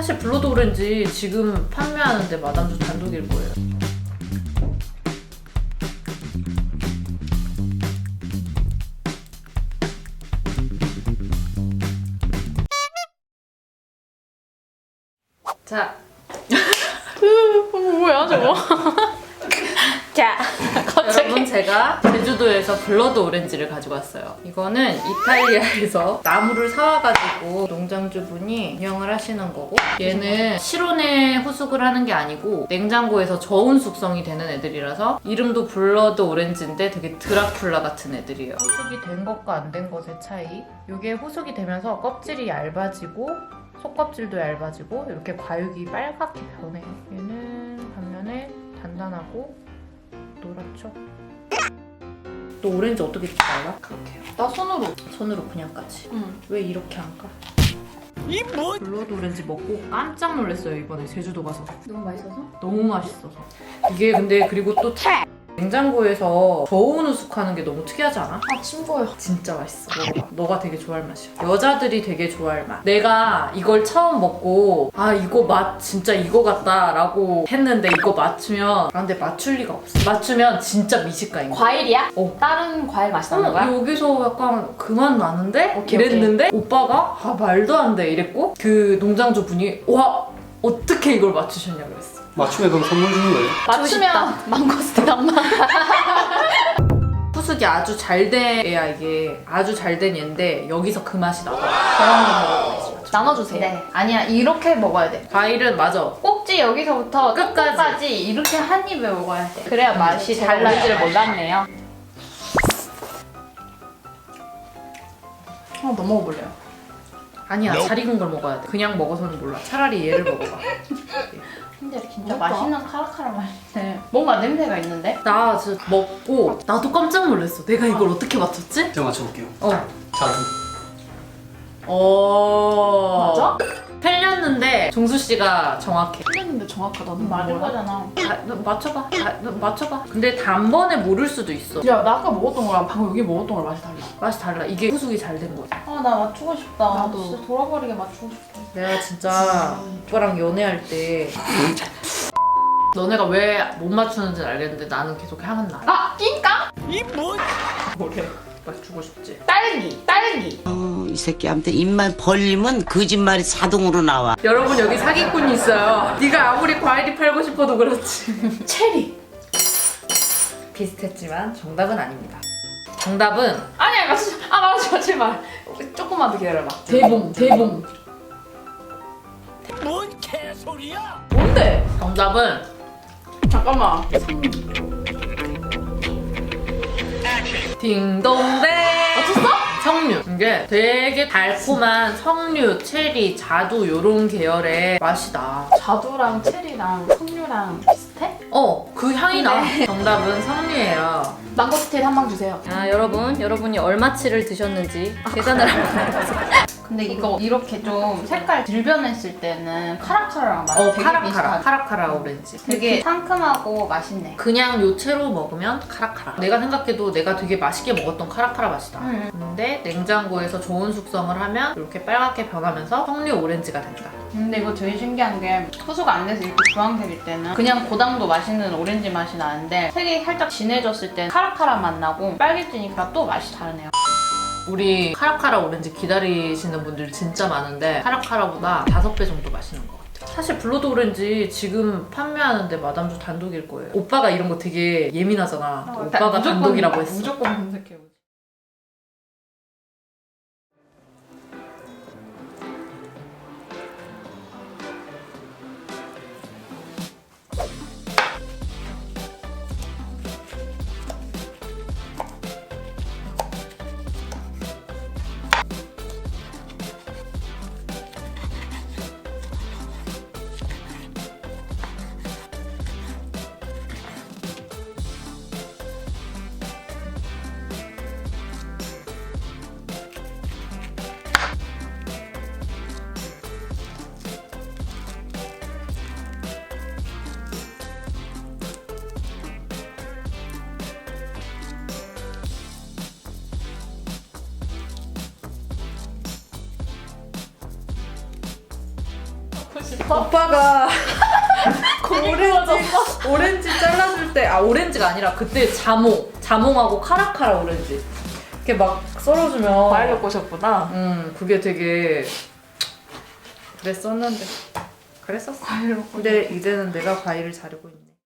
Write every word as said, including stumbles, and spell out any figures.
사실 블러드 오렌지 지금 판매하는데 마담주 단독일 거예요. 자, 뭐야 저거? 자, 여러분 제가 제주도에서 블러드 오렌지를 가지고 왔어요. 이거는 이탈리아에서 나무를 사와가지고 농장주분이 운영을 하시는 거고, 얘는 실온에 후숙을 하는 게 아니고 냉장고에서 저온 숙성이 되는 애들이라서 이름도 블러드 오렌지인데 되게 드라큘라 같은 애들이에요. 후숙이 된 것과 안 된 것의 차이. 이게 후숙이 되면서 껍질이 얇아지고 속껍질도 얇아지고 이렇게 과육이 빨갛게 변해요. 얘는 반면에 단단하고 노랗죠? 너 오렌지 어떻게 잘라? 그렇게 해요. 나 손으로. 손으로 그냥 까지. 응. 왜 이렇게 안 까? 이 뭐? 블러드 오렌지 먹고 깜짝 놀랐어요, 이번에 제주도 가서. 너무 맛있어서? 너무 맛있어서. 이게 근데 그리고 또 냉장고에서 저온 후숙하는 게 너무 특이하지 않아? 아 침 고요. 진짜 맛있어. 먹어봐. 너가 되게 좋아할 맛이야. 여자들이 되게 좋아할 맛. 내가 이걸 처음 먹고 아 이거 맛 진짜 이거 같다 라고 했는데 이거 맞추면 아 근데 맞출 리가 없어. 맞추면 진짜 미식가인 거야. 과일이야? 어. 다른 과일 맛이 나는 거야? 어, 여기서 약간 그 맛 나는데? 오케이, 이랬는데 오빠가 아 말도 안 돼 이랬고 그 농장주 분이 와 어떻게 이걸 맞추셨냐 그랬어. 맞추면 그럼 선물 주는 거예요? 맞추면 망고스틴 한번. 후숙이 아주 잘 돼야 이게 아주 잘 된 얘인데 여기서 그 맛이 나와. 나눠주세요. 네. 아니야, 이렇게 먹어야 돼. 과일은 맞아. 꼭지 여기서부터 끝까지. 끝까지 이렇게 한 입에 먹어야 돼. 그래야 맛이 제가 달라요. 오렌지를 몰랐네요. 하나 더 먹어볼래요? 아니야 잘 익은 걸 먹어야 돼. 그냥 먹어서는 몰라. 차라리 얘를 먹어봐. 근데 진짜 맛있다. 맛있는 카라카라 맛인데 뭔가 냄새가 있는데? 나 진짜 먹고 나도 깜짝 놀랐어. 내가 이걸 어떻게 맞췄지? 제가 맞춰볼게요. 어. 자두. 어. 맞아? 틀렸는데 종수 씨가 정확해. 틀렸는데 정확하다는 맞을 뭐야? 거잖아. 아, 너 맞춰봐. 아, 너 맞춰봐. 근데 단번에 모를 수도 있어. 야, 나 아까 먹었던 거랑 방금 여기 먹었던 거랑 맛이 달라. 맛이 달라. 이게 후숙이 잘 된 거지. 아, 나 맞추고 싶다. 나도. 진짜 돌아버리게 맞추고 싶다. 내가 진짜 오빠랑 연애할 때 너네가 왜 못 맞추는지는 알겠는데 나는 계속 향은 나. 아, 낑까? 이 뭐? 뭐래? 맞추고 싶지. 딸기, 딸기. 어, 이 새끼한테 입만 벌리면 거짓말이 자동으로 나와. 여러분 여기 사기꾼이 있어요. 네가 아무리 과일이 팔고 싶어도 그렇지. 체리. 비슷했지만 정답은 아닙니다. 정답은 아니야, 맞추지 마. 아, 맞추지 마, 제발. 조금만 더 기다려봐. 대봉, 대봉. 뭔 개소리야? 뭔데? 정답은 잠깐만. 딩동댕. 맞췄어? 석류. 이게 되게 달콤한 석류, 체리, 자두 요런 계열의 맛이 나. 자두랑 체리랑 석류랑 비슷해? 어, 그 향이 나. 정답은 석류예요. 망고스틴 한 방 주세요. 아, 여러분, 여러분이 얼마치를 드셨는지 계산을 한번 해보세요. 근데 이거 이렇게 좀 색깔 들변했을 때는 카라카라랑 맛이 어, 되게 카라카라. 비슷하다. 카라카라 오렌지. 되게 상큼하고 맛있네. 그냥 요채로 먹으면 카라카라. 내가 생각해도 내가 되게 맛있게 먹었던 카라카라 맛이다. 음. 근데 냉장고에서 저온 숙성을 하면 이렇게 빨갛게 변하면서 석류 오렌지가 된다. 근데 이거 되게 신기한 게 후수가 안 돼서 이렇게 주황색일 때는 그냥 고당도 맛있는 오렌지 맛이 나는데 색이 살짝 진해졌을 땐 카라카라 맛 나고 빨개지니까 또 맛이 다르네요. 우리 카라카라 오렌지 기다리시는 분들 진짜 많은데 카라카라보다 다섯 배 정도 맛있는 것 같아요. 사실 블러드 오렌지 지금 판매하는데 마담주 단독일 거예요. 오빠가 이런 거 되게 예민하잖아. 어, 오빠가 무조건, 단독이라고 했어. 무조건 검색해요. 싶어. 오빠가 오렌지. 오렌지 잘라줄 때, 아 오렌지가 아니라 그때 자몽, 자몽하고 카라카라 오렌지 이렇게 막 썰어주면 과일로 꼬셨구나. 음 그게 되게 그랬었는데 그랬었어. 과일로. 근데 이제는 내가 과일을 자르고 있네.